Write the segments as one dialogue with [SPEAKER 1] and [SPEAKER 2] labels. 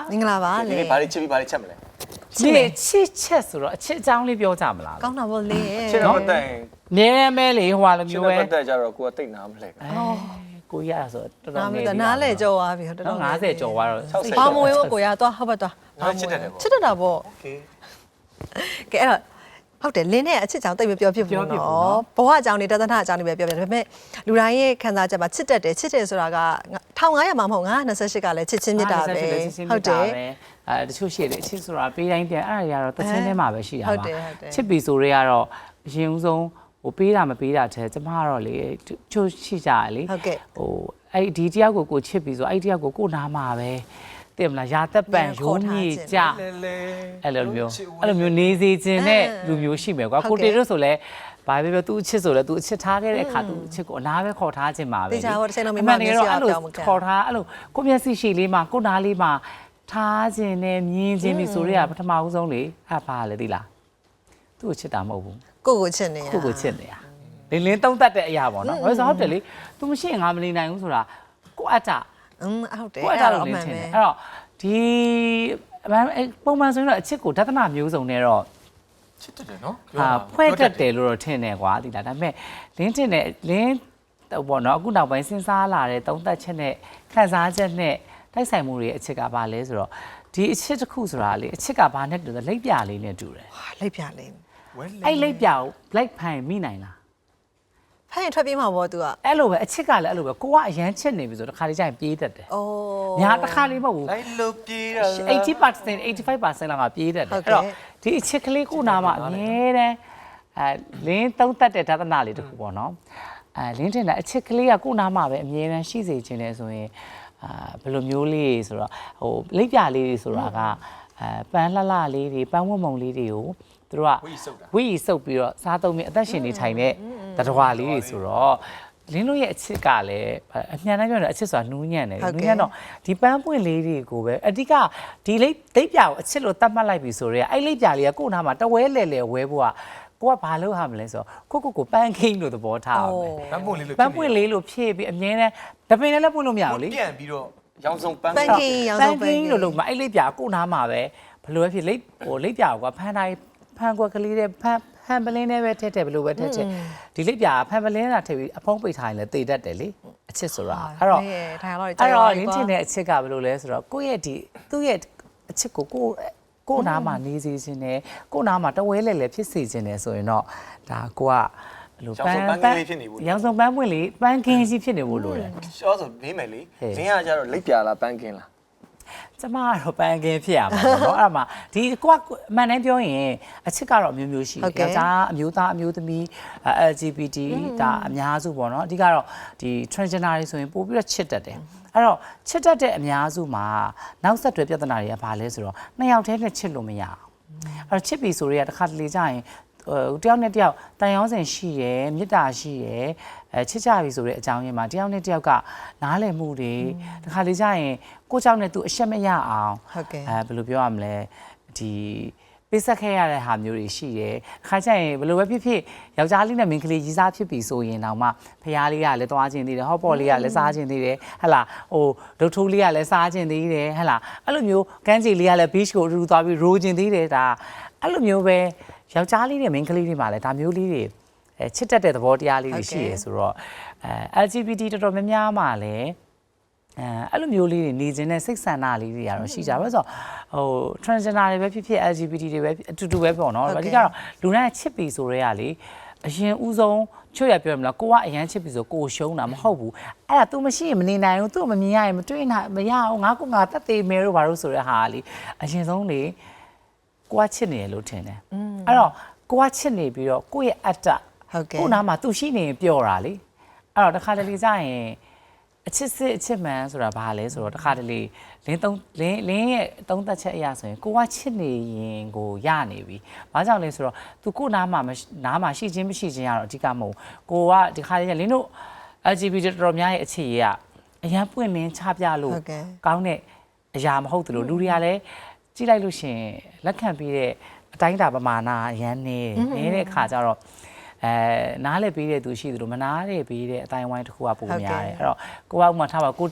[SPEAKER 1] မင်္ဂလာပါလေ
[SPEAKER 2] ဘာလေးချစ်ပြီးဘာလေးချက်မလဲ
[SPEAKER 3] ဒီချစ်ချက်ဆိုတော့အချစ်အကြောင်းလေးပြောကြမလား
[SPEAKER 1] ကောင်းတာပေါ့လေ
[SPEAKER 2] ချစ်တော့မတက်ရင်
[SPEAKER 3] မြဲမဲလေဟိုဟာလို
[SPEAKER 2] ချစ်
[SPEAKER 3] မျိုး
[SPEAKER 2] တော့
[SPEAKER 3] ပဲ
[SPEAKER 2] မတက်ကြတော့ကိုကတိတ်နာမလဲပဲ
[SPEAKER 3] ကိုရဆိုတော်
[SPEAKER 1] နာ
[SPEAKER 3] တော်
[SPEAKER 1] းမ
[SPEAKER 3] နေ
[SPEAKER 1] တနားလဲကြော်သွားပြီတော်တော်
[SPEAKER 3] 50ကျော်သွားတော့
[SPEAKER 1] ဘာမွေးကိုကိုရသွားဟုတ်ပါသွား
[SPEAKER 2] ငါချစ်တတ်တယ်ပေါ့
[SPEAKER 1] ချစ်တတ်တာပေါ့
[SPEAKER 2] โอเค
[SPEAKER 1] ကဲအဲ့တော့ဟုတ်တယ်လင်းနဲ့အချစ်ကြောင်တိတ်မပြောဖြစ်ဘူးနော်ဘဝအကြောင်းနေတသနာအကြောင်းနေပဲပြောပြတယ်ဒါပေမဲ့လူတိုင်းရဲ့ခံစားချက်မှာချစ်တတ်တယ်ချစ်တယ်ဆိုတာက1500မှာမဟုတ်928ကလည်းချစ်ချင်းမြတ်တာပဲဟုတ်တယ်
[SPEAKER 3] တချို့ရှိတယ်အချစ်ဆိုတာပေးတိုင်းပြန်အဲ့ဒါတွေကတော့တစ်ချင်းထဲမှာပဲရှိတာ
[SPEAKER 1] ဟုတ်
[SPEAKER 3] ပါ
[SPEAKER 1] တယ်ဟုတ်တယ်
[SPEAKER 3] ချစ်ပြီဆိုတွေကတော့အရင်ဦးဆုံးဟိုပေးတာမပေးတာတဲ့ကျမကတော့လေချို့ရှိကြရလေ
[SPEAKER 1] ဟုတ်ကဲ့
[SPEAKER 3] ဟိုအဲ့ဒီတယောက်ကိုချစ်ပြီဆိုအဲ့ဒီတယောက်ကိုနားမှာပဲသိမလားရာသက်ပံရုံးမြေကြ
[SPEAKER 2] လဲလဲ
[SPEAKER 3] အဲ့လိုမျိုးနေစေခြင်းနဲ့လူမျိုးရှိမယ်ကွာကိုတေတို့ဆိုလဲဘာပဲပြောသူအချစ်ဆိုလဲသူအချစ်ထားခဲ့တဲ့အခါသူအချစ်ကိုအနားပဲခေါ်ထားခြင်းပါပဲ
[SPEAKER 1] တေချာဟိုတစ်ချိန်လုံးမိမ
[SPEAKER 3] အဲ့
[SPEAKER 1] မျက်
[SPEAKER 3] လို
[SPEAKER 1] စိအပြောင်းမခံ
[SPEAKER 3] ခေါ်ထားအဲ့လိုကိုမျက်စိရှိလေးမှာကိုနားလေးမှာထားခြင်းနဲ့မြင်ခြင်းပြီဆိုတော့ပထမဦးဆုံးလေအဲ့ဘာလဲသိလားသူ့ကိုချစ်တာမဟုတ်ဘူး
[SPEAKER 1] ကိုချစ်နေရ
[SPEAKER 3] ကိုချစ်နေတာလင်းသုံးတတ်တဲ့အရာပေါ့နော်ဘာလို့ဆိုဟုတ်တယ်လေ तू မရှိရင်ငါမနေနိုင်ဘူးဆိုတာကိုအတ္တ
[SPEAKER 1] ဟုတ်တယ်
[SPEAKER 3] ကိုအတ္တလို့လင်းထင်တယ်အဲ့တော့ဒီပုံမှန်ဆိုရင်တော့အချစ်ကိုဒသနာမျိုးစုံနဲ့တော့
[SPEAKER 2] ချစ်တတ်တယ်နော်
[SPEAKER 3] ဖွဲ့တတ်တယ်လို့တော့ထင်တယ်ကွာဒီလားဒါပေမဲ့လင်းထင်တယ်လင်းပေါ့နော်အခုနောက်ပိုင်းစဉ်းစားလာတဲ့သုံးသက်ချက်နဲ့ခံစားချက်နဲ့တိုက်ဆိုင်မှုတွေအချစ်ကဘာလဲဆိုတော့ဒီအချစ်တစ်ခုဆိုတာလေအချစ်ကဘာနဲ့တူလဲလိပ်ပြလေးနဲ့တူတယ်
[SPEAKER 1] လိုက်ပြလေး
[SPEAKER 3] အဲ့လိပ်ပြကိုလိုက်ဖိုင်မိနိုင်လား
[SPEAKER 1] ဖိုင်ထွက်ပြေးမှာပေါ့ तू อ่ะ
[SPEAKER 3] အဲ့လိုပဲအချစ်ကလည်းအဲ့လိုပဲကိုကအရန်ချစ်နေပြီဆိုတော့တစ်ခါလေးကျရင်ပြေးတတ်တယ်
[SPEAKER 1] အိုး
[SPEAKER 3] ညာတစ်ခါလေးမဟုတ်ဘူး
[SPEAKER 2] လိုက်လို့ပြေးတာ
[SPEAKER 3] 80% 85%လောက်ကပြေးတတ်တယ်အဲ့တော့ဒီအချစ်ကလေးကိုနာမှာအမြဲတမ်းလင်းသုံးသက်တဲ့ဒသနာလေးတစ်ခုပေါ့နော်လင်းတင်တာအချစ်ကလေးကကိုနာမှာပဲအမြဲတမ်းရှိစေခြင်းလဲဆိုရင်ဘယ်လိုမျိုးလေးဆိုတော့ဟိုလိပ်ပြလေးတွေဆိုတာကပန်းလှလှလေးတွေပန်းဝတ်မုံလေးတွေကိုသူတို့ကဝီစုပ်ပြီးတော့စားသုံးပြီးအသက်ရှင်နေထိုင်တဲ့တတော်ဝါလေးတွေဆိုတော့လင်းတို့ရဲ့အချစ်ကလည်းအမှန်တမ်းပြောရင်အချစ်ဆိုတာနူးညံ့တယ်နူးညံ့တော့ဒီပန်းပွင့်လေးတွေကိုပဲအဓိကဒီလိပ်ပြကိုအချစ်လို့တတ်မှတ်လိုက်ပြီဆိုတော့အဲ့လိပ်ပြလေးကကို့နာမှာတဝဲလဲလဲဝဲဖို့ကကိုကဘာလုပ်ရမလဲဆိုတော့ကိုပန်းခင်းလို့သဘောထားအောင်ပဲ
[SPEAKER 2] ပန်းပွင့်လေးလို့
[SPEAKER 3] ပန်းပွင့်လေးလို့ဖြည့်ပြီးအမြဲတမ်းတပင်လည်းပွင့်လို့မရဘူးလေ
[SPEAKER 2] ပြန်ပြီးတော့ရောင်စုံပန်း
[SPEAKER 1] ပန်းကင်းရောင်စုံပန်းကင်း
[SPEAKER 3] လို့မှအဲ့လိပ်ပြကို့နာမှာပဲဘလို့ပဲဖြစ်လိပ်လိပ်ပြကဖန်တိုင်းဖန်ကွက်ကလေးတဲ့ဖန်ပလင်းနဲ့ပဲထည့်ဘလို့ပဲထည့်ဒီလိပ်ပြဖန်ပလင်းတာထည့်ပြီးအဖုံးပိတ်ထားရင်လည်းတေတတ်တယ်လေအချစ်ဆိုတာအဲ့တော့ရင်းချင်တဲ့အချက်ကဘလို့လဲဆိုတော့ကိုယ့်ရဲ့ဒီသူ့ရဲ့အချစ်ကိုနားမှာနေစေခြင်းနဲ့ကိုနားမှာတဝဲလဲလဲဖြစ်စေခြင်းနဲ့ဆိုရင်တော့ဒါကိုက
[SPEAKER 2] ရောင်စုံပန်းကလေးဖြစ်နေဘူး
[SPEAKER 3] ရောင်စုံပန်းပွင့်လေးပန်းကင်းကြီးဖြစ်နေဖို့လိုတယ်
[SPEAKER 2] ရှောဆိုမေးမယ်လေလင်းကကြတော့လိပ်ပြလားပန်းကင်းလား
[SPEAKER 3] ကျမကတော့ပန်းကင်းဖြစ်ရမှာပေါ့နော်အဲ့ဒါမှဒီကိုကအမှန်တမ်းပြောရင်အချစ်ကတော့အမျိုးမျိုးရှိတယ်ယောက်ျားအမျိုးသားအမျိုးသမီး LGBT ဒါအများစုပေါ့နော်အဓိကတော့ဒီ transgender တွေဆိုရင်ပို့ပြီးတော့ချစ်တတ်တယ်အဲ့တော့ချစ်တတ်တဲ့အများစုမှာနောက်ဆက်တွဲပြဿနာတွေကဘာလဲဆိုတော့နှစ်ယောက်တည်းနဲ့ချစ်လို့မရအောင်အဲ့တော့ချစ်ပြီဆိုတော့တခါတလေကြာရင်တယောက်နဲ့တယောက်တန်ရောစင်ရှိရယ်မေတ္တာရှိရယ်ချစ်ကြပြီဆိုတဲ့အကြောင်းရင်းမှာတယောက်နဲ့တယောက်ကနားလည်မှုတွေတခါလေကြာရင်ကိုเจ้าနဲ့သူအရှက်မရအောင်
[SPEAKER 1] ဟုတ်ကဲ့
[SPEAKER 3] ဘယ်လိုပြောရမလဲဒီပေးဆက်ခဲ့ရတဲ့ဟာမျိုးတွေရှိတယ်။ခါကျရင်ဘယ်လိုပဲဖြစ်ဖြစ်ယောက်ျားလေးနဲ့မိန်းကလေးရီးစားဖြစ်ပြီဆိုရင်တော့မှဖရားလေးကလည်းသွားခြင်းသေးတယ်ဟော့ပေါ်လေးကလည်းစားခြင်းသေးတယ်ဟဟလာဟိုဒုတ်ထိုးလေးကလည်းစားခြင်းသေးတယ်ဟဟလာအဲ့လိုမျိုးကန်းချီလေးကလည်း beach ကိုအတူသွားပြီးရိုးခြင်းသေးတယ်ဒါအဲ့လိုမျိုးပဲယောက်ျားလေးနဲ့မိန်းကလေးတွေမှာလည်းဒါမျိုးလေးတွေချစ်တတ်တဲ့သဘောတရားလေးတွေရှိရဆိုတော့LGBT တော်တော်များများမှာလည်းအဲ့လိုမျိုးလေးတွေနေခြင်းနဲ့စိတ်ဆန္ဒလေးတွေကတော့ရှိကြပါဆိုဟို transgender တွေပဲဖြစ်ဖြစ် LGBT တွေပဲအတူတူပဲပေါ့နော်အဓိကတော့လူတိုင်းချစ်ပြီဆိုရဲကလေအရင်ဦးဆုံးချွတ်ရပြောမလားကိုကအရန်ချစ်ပြီဆိုကိုရှုံးတာမဟုတ်ဘူးအဲ့ဒါ तू မရှိရင်မနေနိုင်ဘူး तू မမြင်ရရင်မတွေ့နိုင်မရအောင်ငါတတ်သေးမယ်လို့ဘာလို့ဆိုရဲဟာလေအရင်ဆုံးလေကိုကချစ်နေရလို့ထင်တယ်အဲ့တော့ကိုကချစ်နေပြီးတော့ကိုရဲ့အတ္တကိုနားမှာ तू ရှိနေရင်ပျော်တာလေအဲ့တော့တစ်ခါတလေကြာရင်အချစ်စစ်အချစ်မှန်ဆိုတာဘာလဲဆိုတော့တခါတလေလင်းရဲ့သုံးသက်ချက်အရာဆိုရင်ကိုကချစ်နေရင်ကိုရနေပြီ။ဘာကြောင့်လဲဆိုတော့သူကိုနားမှာရှိခြင်းမရှိခြင်းကတော့အဓိကမဟုတ်။ကိုကဒီခါလေးလင်းတို့ LGBT တော်တော်များရဲ့အခြေရအရန်ပွင့်လင်းချပြလို့ကောင်းတဲ့အရာမဟုတ်သလိုလူတွေကလည်းကြည့်လိုက်လို့ရှင်လက်ခံပြီးတဲ့အတိုင်းအတာပမာဏအရန်နေတဲ့အခါကျတော့နားလဲပေးတဲ့သူရှိသလိုမနားလဲပေးတဲ့အတိုင်းဝိုင်းတစ်ခုကပုံများတယ်အဲ့တော့ကိုကဥမာထားပါကိုတေးကို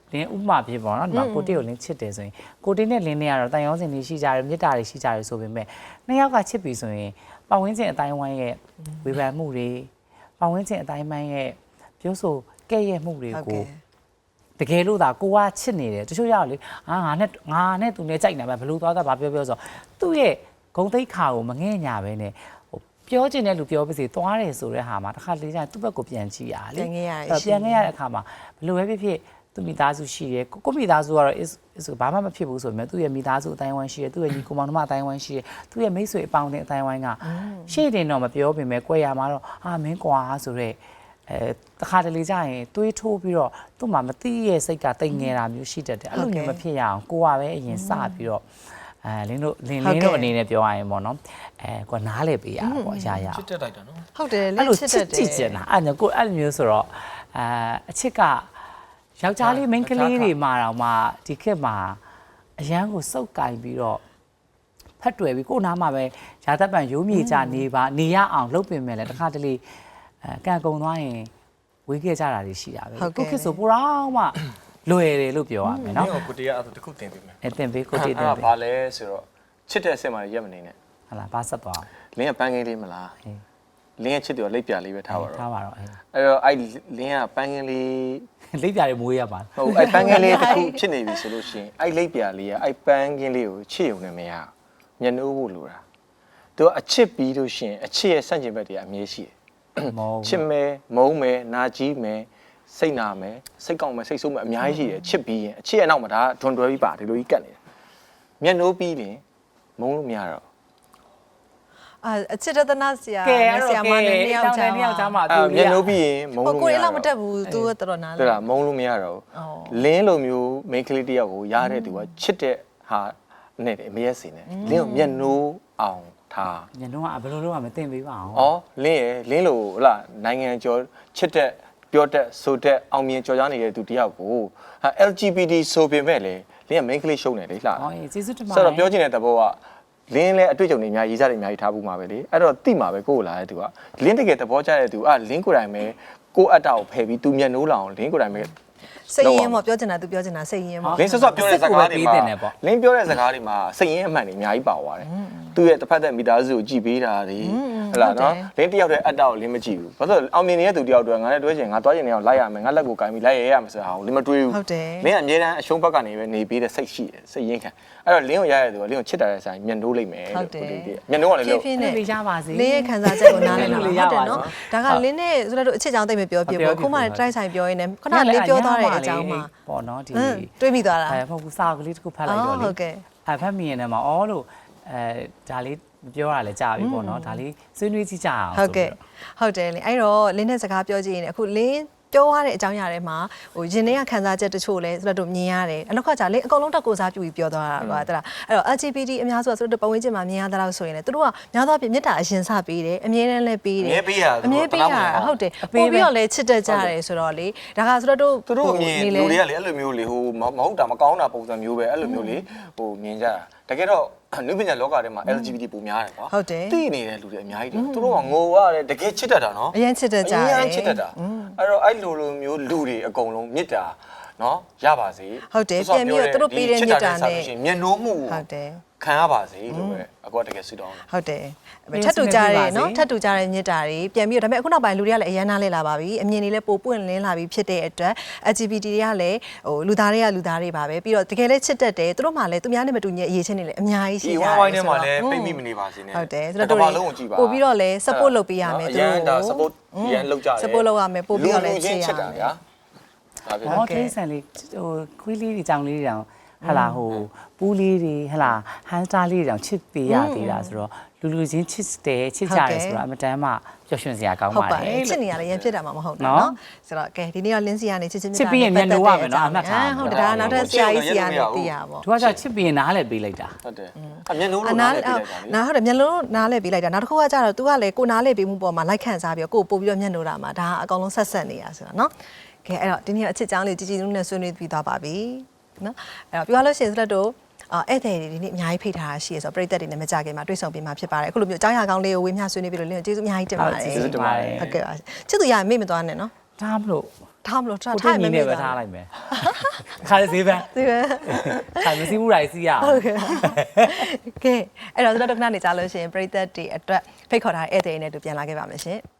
[SPEAKER 3] လင်းဥမာဖြစ်ပေါ့နော်ဒီမှာကိုတိကိုလင်းချစ်တယ်ဆိုရင်ကိုတိနဲ့လင်းနဲ့ကတော့တန်ရောစင်တွေရှိကြတယ်မြစ်တာတွေရှိကြတယ်ဆိုပေမဲ့နှစ်ယောက်ကချစ်ပြီဆိုရင်ပတ်ဝန်းကျင်အတိုင်းဝိုင်းရဲ့ဝေဖန်မှုတွေပတ်ဝန်းကျင်အတိုင်းဝိုင်းရဲ့ပြောဆိုကဲ့ရဲ့မှုတွေကိုတကယ်လို့သာကိုကချစ်နေတယ်တချို့ရောက်လေငါနဲ့သူနဲ့ကြိုက်နေမှာဘလို့သွားတာဘာပြောဆိုသူ့ရဲ့ဂုံတိတ်ခါကိုမငဲ့ညာပဲနဲ့ပြောချင်တဲ့လူပြောပါစေသွားတယ်ဆိုတဲ့ဟာမှာတစ်ခါလေကျရင်သူ့ဘက်ကိုပြန်ကြည့်ရလေပြန်ခဲ့ရတဲ့အခါမှာဘလို့ပဲဖြစ်သူမိသားစုရှိတယ်ကိုမိသားစုကတော့ဘာမှမဖြစ်ဘူးဆိုပေမဲ့သူ့ရဲ့မိသားစုအတိုင်းဝိုင်းရှိတယ်သူ့ရဲ့ညီကိုမောင်နှမအတိုင်းဝိုင်းရှိတယ်သူ့ရဲ့မိတ်ဆွေအပေါင်းအတိုင်းဝိုင်းကရှေ့တင်တော့မပြောပေမဲ့ကြွယ်ရမှာတော့မင်းကွာဆိုတော့တခါတလေကျရင်တွေးထိုးပြီးတော့သူ့မှာမသိရဲ့စိတ်ကတိတ်ငယ်တာမျိုးရှိတတ်တယ်အဲ့လိုမျိုးမဖြစ်ရအောင်ကိုကပဲအရင်စပြီးတော့လင်းတို့အနေနဲ့ပြောရရင်ပေါ့နော်ကိုနားလေပေးရတာပေါ့အရာရာ
[SPEAKER 2] ချစ်တက်လိုက်တာနော်
[SPEAKER 1] ဟုတ်တယ်
[SPEAKER 3] အဲ့
[SPEAKER 1] လ
[SPEAKER 3] လို
[SPEAKER 1] င်းချစ်
[SPEAKER 3] ချ
[SPEAKER 1] တ
[SPEAKER 3] စ်
[SPEAKER 1] တ်တယ်
[SPEAKER 3] ကြည့်ချင်တာအဲ့ကိုအဲ့လိုမျိုးဆိုတော့အချစ်ကယောက်ျားလေးမိန်းကလေးတွေမှာတော့မှဒီခေတ်မှာအရန်ကိုစုပ်ကင်ပြီးတော့ဖတ်တွေ့ပြီးကိုနားမှာပဲရာသက်ပံရိုးမြေကြနေရအောင်လုပ်ပင်မဲ့လေတခါတလေကန်ကုံသွားရင်ဝေးခဲ့ကြတာတွေရှိတာပဲကိုခေတ်ဆိုပိုတော့မှလွယ်တယ်လို့ပြောရမယ်နော်
[SPEAKER 2] မင်းကိုတရားအဲ့ဒါတစ်ခုတင်ပေးမယ်
[SPEAKER 3] တင်ပေးကိုတည်တင်
[SPEAKER 2] အဲ့
[SPEAKER 3] ပေး
[SPEAKER 2] ဒါဘာလဲဆိုတော့ချစ်တဲ့အစ်စ်မှရက်မနေနဲ့
[SPEAKER 3] ဟာလားဘာဆက်သွား
[SPEAKER 2] လင်းကပန်းကင်းလေးမလားလင်းရဲ့ချစ်တယ်လိပ်ပြလေးပဲထားပါတော့
[SPEAKER 3] ထားပါတော့
[SPEAKER 2] အဲ့တော့အဲ့လင်းကပန်းကင်းလေး
[SPEAKER 3] လိပ်ပြာတွေမွေးရပါ
[SPEAKER 2] ဟုတ်အဲ့ပန်းကင်းလေးတစ်ခုဖြစ်နေပြီဆိုလို့ရှိရင်အဲ့လိပ်ပြလေးကအဲ့ပန်းကင်းလေးကိုချစ်ရုံနဲ့မရမျက်နှိုးဖို့လိုတာသူကအချစ်ပြီးလို့ရှိရင်အချစ်ရဲ့ဆန့်ကျင်ဘက်တွေအမြဲရှိတယ်
[SPEAKER 3] မော
[SPEAKER 2] ချစ်မယ်မုန်းမယ်နာကြီးမယ်စိတ်နာမယ်စိတ်ကောင်းမယ်စိတ်ဆိုးမယ်အများကြီးရှိတယ်ချစ်ပြီးရင်အချစ်ရဲ့နောက်မှာဒါဒွန်တွဲပြီးပါဒီလိုကြီးကတ်နေတယ်မျက်နှိုးပြီးရင်မုန်းလို့မရတော့
[SPEAKER 1] အချစ်တနာဆရာ
[SPEAKER 3] ကဲအဲ့တော့
[SPEAKER 1] မနဲ့နှစ်ယောက်ကြား
[SPEAKER 3] နှစ်ယောက်ကြားမှာ
[SPEAKER 2] အဲ့မျက်နှိုးပြီးရင်မုန်းလို့မရ
[SPEAKER 1] ကို
[SPEAKER 2] တော့
[SPEAKER 1] ယ်လောက်မတက်ဘူးသူကတော်တော်နား
[SPEAKER 2] ဟုတ်
[SPEAKER 1] လဲ
[SPEAKER 2] လားမုန်းလို့မရတော့လင်းလိုမျိုးမိန်းကလေးတယောက်ကိုရတဲ့သူကချစ်တဲ့ဟာနဲ့အမရက်စင်နဲ့လင်းကိုမျက်နှိုးအောင်ထား
[SPEAKER 3] ညလုံးကဘယ်လိုလုပ်ရမသိပေးပါအောင်
[SPEAKER 2] ဩလင်းလိုဟုတ်လားနိုင်ငံကျော်ချစ်တဲ့ပြောတဲ့ဆိုတဲ့အောင်မြင်ကြော်ကြားနေတဲ့သူတယောက်ကို LGBT ဆိုပေမဲ့လေလင်းကမိန်းကလေးရှုံးတယ်လေလှ
[SPEAKER 3] ဟောကျေးဇူးတင်ပါ
[SPEAKER 2] ဆိုတော့ပြောချင်တဲ့သဘောကလင်းလဲအတွေ့အကြုံတွေအများကြီးရေးစားတွေအများကြီးထားဖို့မှာပဲလေအဲ့တော့တိမှာပဲကိုယ့်ကိုလာတဲ့သူကလင်းတကယ်သဘောကျတဲ့သူလင်းကိုယ်တိုင်ပဲကိုယ့်အတ္တကိုဖယ်ပြီးသူမျက်နှိုးလောင်လင်းကိုယ်တိုင်ပဲ
[SPEAKER 1] စိတ်ရင်းပေါ့ပြောချင်တာသူပြောချင်တာစိတ်ရင်းပေါ့
[SPEAKER 2] လင်းဆော့ပြောတဲ့စကားတွေမှာလင်းပြောတဲ့စကားတွေမှာစိတ်ရင်းအမှန်တွေအများကြီးပါသွားတယ်သူ့ရဲ့တစ်ဖက်သက်မိသားစုကိုကြည်ပေးတာတွေဟုတ်လားနော်လင်းတယောက်တည်းအတ္တကိုလင်းမကြည့်ဘူးဘာလို့အောင်မြင်နေတဲ့သူတယောက်တည်းငါနဲ့တွဲချင်ငါတွားချင်နေအောင်လိုက်ရမယ်ငါလက်ကိုကင်ပြီးလိုက်ရမယ်ဆိုတာဟာလင်းမတွေးဘူးလင်းကအမြဲတမ်းအရှုံးဘက်ကနေပဲနေပေးတဲ့စိတ်ရှိတယ်စိတ်ရင်းခံအဲ့တော့လင်းကိုရရတဲ့သူကလင်းကိုချစ်တာတဲ့ဆိုင်မျက်နှိုးလိုက်မယ်လို့မျက်နှိုးကလည်းလို့
[SPEAKER 1] ဖြည်းဖြည်းနဲ့
[SPEAKER 3] လေးရပါစေ
[SPEAKER 1] လင်းရဲ့ခံစားချက်ကိုနားလည်လို့ဟုတ်တယ်နော်ဒါကလင်းနဲ့ဆိုတော့အချစ်ကြောင်းတိတ်မပြောပြဘူးခုမှတိုက်ဆိုင်ပြောရင်းနဲ့ခဏလင်းပြောသွားတဲ့အကြောင်းမှာ
[SPEAKER 3] ပေါ့နော်ဒီ
[SPEAKER 1] တွေးမိသွားတာ
[SPEAKER 3] မဟုတ်ဘူးစာကလေးတစ်ခုဖတ်လိုက်တော့လေ
[SPEAKER 1] ဟုတ်ကဲ့
[SPEAKER 3] ဖတ်မိရင်လည်းမအော်လို့ဒါလေးပြောရလဲကြာပြီပေါ့နော်ဒါလေးဆွေးနွေးကြည့်ကြအောင်
[SPEAKER 1] ဟုတ်ကဲ့ဟုတ်တယ်လေအဲ့တော့လင်းနဲ့စကားပြောကြည့်ရင်အခုလင်းပြောရတဲ့အကြောင်းအရာတွေမှာဟိုရင်ထဲကခံစားချက်တချို့လဲဆိုတော့မြင်ရတယ်အနောက်ကကြာလေအကုန်လုံးတက်ကိုစားပြူပြီးပြောသွားတာကွာတလားအဲ့တော့ LGBT အများစုကဆိုတော့ပတ်ဝန်းကျင်မှာမြင်ရတဲ့လောက်ဆိုရင်လေသူတို့ကများသောအားဖြင့်မေတ္တာအရင်စပေးတယ်အမြဲတမ်းလည်းပေးတယ်အမြဲပေးရဟုတ်တယ်ပို့ပြီးတော့လဲချစ်တတ်ကြတယ်ဆိုတော့လေဒါကဆိုတော့တို့
[SPEAKER 2] သူတို့မြင်လူတွေကလေအဲ့လိုမျိုးလေဟိုမဟုတ်တာမကောင်းတာပုံစံမျိုးပဲအဲ့လိုမျိုးလေဟိုမြင်ကြတာတကယ်တော့နုပညာလောကထဲမှာ LGBT ပုံများတယ်ကွာသိနေတဲ့လူတွေအများကြီးတယ်သူတို့ကငိုရတယ်တကယ်ချစ်တတ်တာနော်
[SPEAKER 1] အရင်ချစ်တတ်ကြတယ်
[SPEAKER 2] အရင်ချစ်တတ်တာအဲ့တော့အဲ့လိုမျိုးလူတွေအကုန်လုံးမြစ်တာနော်ရပါစေ
[SPEAKER 1] ဟုတ်တယ်ပြန်ပြီးတော့သူတို့ပေးတဲ့မြစ်တာနဲ့
[SPEAKER 2] မျက်နှိုးမှု
[SPEAKER 1] ဟုတ်တယ်
[SPEAKER 2] ခံရပါစေလို့ပဲအကွာတကယ်ဆုတောင်းတယ်
[SPEAKER 1] ဟုတ်တယ်ထပ်တူကြတယ်နော်ထပ်တူကြတဲ့မြစ်တာတွေပြန်ပြီးတော့ဒါပေမဲ့အခုနောက်ပိုင်းလူတွေကလည်းအရန်နားလဲလာပါပြီအမြင်တွေလည်းပိုပွင့်လင်းလာပြီဖြစ်တဲ့အတွက် LGBT တွေကလည်းဟိုလူသားတွေပါပဲပြီးတော့တကယ်လည်းချစ်တတ်တယ်သူတို့မှလည်းသူများနဲ့မတူညီအရေးချင်းတွေလည်းအများကြီးရှိကြတယ်
[SPEAKER 2] ဒီဝိုင်းထဲမှာလည်းပိတ်မိမနေပါစေနဲ့
[SPEAKER 1] ဟုတ်တယ်ဆိုတော့တို့ပို့ပြီးတော့လည်း support လုပ်ပေးရမယ်သူတို့
[SPEAKER 2] အရန်ဒါ support ရန်လုပ်ကြတယ်
[SPEAKER 1] support လုပ်ရမယ်ပို့ပြီးတော့လည်းချစ်ရ
[SPEAKER 2] တာ
[SPEAKER 1] မယ်
[SPEAKER 2] ဗျာဒါပဲ
[SPEAKER 3] ဟောတိဆန်လေးဟိုခွေးလေးတွေကြောင်လေးတွေတောင်ဟလာဟိုပူးလေးတွေဟလာဟန်စတာလေးတွေတောင်ချစ်ပေးရသေးတာဆိုတော့လူချင်းချစ်တယ်ချစ်ကြတယ်ဆိုတော့အမတမ်းမှပျော်ရွှင်စရာကောင်း
[SPEAKER 1] ဟုတ်
[SPEAKER 3] ပါ
[SPEAKER 1] ပါ
[SPEAKER 3] တ
[SPEAKER 1] တယ်
[SPEAKER 3] ယ်
[SPEAKER 1] ချစ်နေရလည်းရန်ဖြစ်တာမှမဟုတ်တာနော်ဆိုတော့ကဲဒီနေ့ကလင်းစီကနေချစ်ချင်း
[SPEAKER 3] ချစ်ပြီးရင်မျက်နှာဝမယ်နော်အမှတ်ထား
[SPEAKER 1] ဟုတ်တယ်ဒါနောက်ထပ်ဆရာကြီးစီကနေသိရပါဘော
[SPEAKER 3] သူကချစ်ပြီးရင်နားလည်းပေးလိုက်တာ
[SPEAKER 2] ဟုတ်တယ်အမျက်နှိုးလို့နားလည်းပြလိုက်တာလေ
[SPEAKER 1] နားဟုတ်တယ်မျက်လုံးနားလဲပေးလိုက်တာနောက်တစ်ခုကကျတော့ तू ကလည်းကိုနားလဲပေးမှုပေါ်မှာလိုက်ခန့်စားပြီးတော့ကိုပို့ပြီးတော့မျက်နှိုးတာမှာဒါအကောင်လုံးဆက်ဆက်နေတာဆိုတော့နော်ကဲအဲ့တော့ဒီနေ့ကအချစ်ချောင်းလေးជីជីနုနဲ့ဆွေးနွေးပြီးသွားပါပြီနော်အဲ့တော့ပြောလို့ရှိရင်ဆိုတော့ဧည့်သည်တွေဒီနေ့အများကြီးဖိတ်ထားတာရှိရဆိုတော့ပြည်သက်တွေနဲ့မကြခင်မှာတွေ့ဆုံပြီးမှဖြစ်ပါတယ်အခုလိုမျိုးအကြောင်းအရာကောင်းလေးကိုဝေမျှဆွေးနွေးပြီးတော့လင်းကျေးဇူးအများကြီးတင်ပါတယ်
[SPEAKER 3] ကျေးဇူးတင်ပါတယ်
[SPEAKER 1] ဟုတ်ကဲ့ပါချစ်သူရမေ့မသွားနဲ့နော်
[SPEAKER 3] ထားမလို့
[SPEAKER 1] ထားမလို့ထား
[SPEAKER 3] ကို
[SPEAKER 1] ထား
[SPEAKER 3] တင်
[SPEAKER 1] မ
[SPEAKER 3] ကြီး
[SPEAKER 1] မေ့
[SPEAKER 3] နဲ့ပဲ
[SPEAKER 1] တာ
[SPEAKER 3] ထားလိုက်မယ်ခါလေးဈေးပန်း
[SPEAKER 1] ဒီပဲ
[SPEAKER 3] ခါမစီးမှုတိုင်းစီးရအောင်
[SPEAKER 1] ဟုတ်ကဲ့ကဲအဲ့တော့ကျွန်တော်တို့ခဏနေကြလို့ရှိရင်ပရိသတ်တွေအတွက်ဖိတ်ခေါ်ထားတဲ့ဧည့်သည်တွေနဲ့တူပြန်လာခဲ့ပါမယ်ရှင်